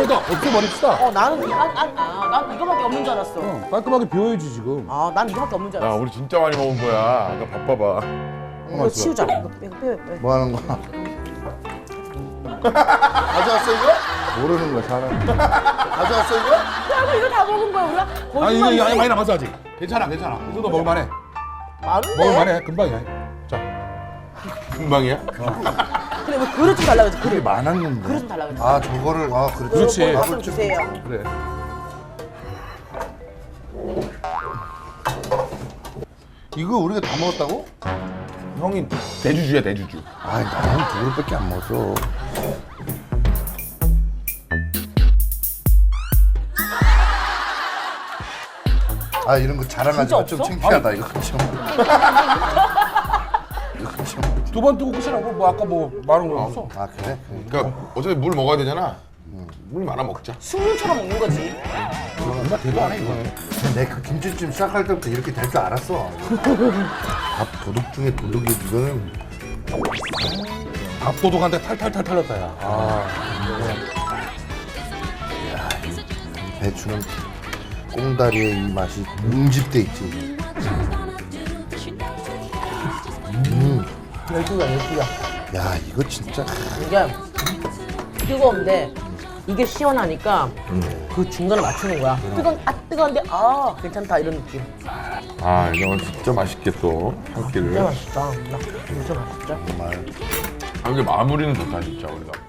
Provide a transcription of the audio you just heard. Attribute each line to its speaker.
Speaker 1: 그러니까 없애버립시다.
Speaker 2: 난 이거밖에 없는 줄 알았어.
Speaker 1: 깔끔하게 비워야지 지금.
Speaker 2: 난 이거밖에 없는 줄
Speaker 3: 야
Speaker 2: 알았어.
Speaker 3: 우리 진짜 많이 먹은 거야. 아까 바빠봐.
Speaker 2: 이거 치우자. 이거 빼.
Speaker 4: 뭐 하는 거야? 가져왔어 이거? 모르는 거야 사람. 가져왔어 이거?
Speaker 2: 야, 이거 다 먹은 거야 우리가?
Speaker 1: 아니 이거
Speaker 2: 거짓말이지.
Speaker 1: 많이 남았어 아직. 괜찮아. 이 정도 먹을만해.
Speaker 2: 많은데?
Speaker 1: 먹을만해. 금방이야. 자.
Speaker 3: 금방이야?
Speaker 2: 그래 뭐 그릇 좀 달라고 했지.
Speaker 4: 그게
Speaker 2: 그릇.
Speaker 4: 많았는데.
Speaker 2: 그릇 좀 달라고 했지.
Speaker 4: 아 저거를 그렇지.
Speaker 1: 그렇지.
Speaker 2: 밥좀 주세요.
Speaker 1: 그래.
Speaker 4: 이거 우리가 다 먹었다고?
Speaker 3: 형이 대주주야 대주주.
Speaker 4: 아이 나는 두 그릇밖에 안 먹었어. 아 이런 거 자랑하지 마. 좀
Speaker 2: 없어?
Speaker 4: 창피하다 이거 좀.
Speaker 1: 두 번 뜨고 끝이라고. 뭐 아까 뭐 말한 거 없어.
Speaker 4: 아 그래?
Speaker 3: 그러니까 어차피 물 먹어야 되잖아. 물 많아 먹자.
Speaker 2: 식물처럼 먹는 거지.
Speaker 1: 얼마 되도 안 해 이거.
Speaker 4: 내가 그 김치찜 시작할 때부터 이렇게 될 줄 알았어. 밥 도둑 중에 도둑이 이거는.
Speaker 1: 밥도둑한테 탈탈탈 털렸다 야.
Speaker 4: 배추는 꽁다리의 이 맛이 응집돼 있지.
Speaker 2: 열두야.
Speaker 4: 야 이거 진짜.
Speaker 2: 이게 뜨거운데 이게 시원하니까 그 중간을 맞추는 거야. 뜨거운데 괜찮다 이런 느낌.
Speaker 3: 아 이거 진짜 맛있게 또 한 끼를.
Speaker 2: 진짜 맛있다. 진짜 맛있다.
Speaker 4: 정말.
Speaker 3: 아 근데 마무리는 좋다 진짜 우리가.